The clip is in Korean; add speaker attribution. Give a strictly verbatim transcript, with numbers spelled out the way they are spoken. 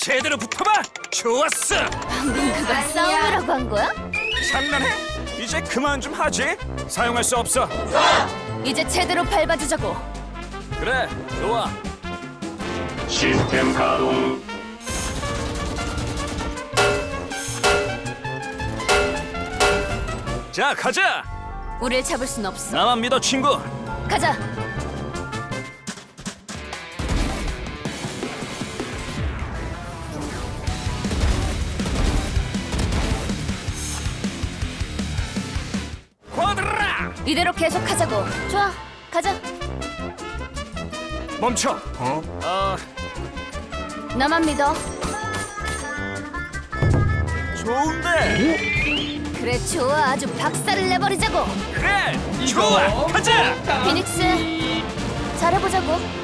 Speaker 1: 제대로 붙어봐. 좋았어.
Speaker 2: 방금 그거 싸움이라고 한 거야?
Speaker 1: 장난해? 이제 그만 좀 하지. 사용할 수 없어.
Speaker 2: 이제 제대로 밟아주자고.
Speaker 1: 그래, 좋아.
Speaker 3: 시스템 가동.
Speaker 1: 자, 가자.
Speaker 2: 우릴 잡을 순 없어.
Speaker 1: 나만 믿어, 친구.
Speaker 2: 가자.
Speaker 1: 쿼드라.
Speaker 2: 이대로 계속하자고. 좋아, 가자.
Speaker 1: 멈춰. 어? 어,
Speaker 2: 나만 믿어.
Speaker 1: 좋은데.
Speaker 2: 그래, 좋아. 아주 박살을 내버리자고.
Speaker 1: 그래, 좋아. 가자.
Speaker 2: 피닉스, 잘해보자고.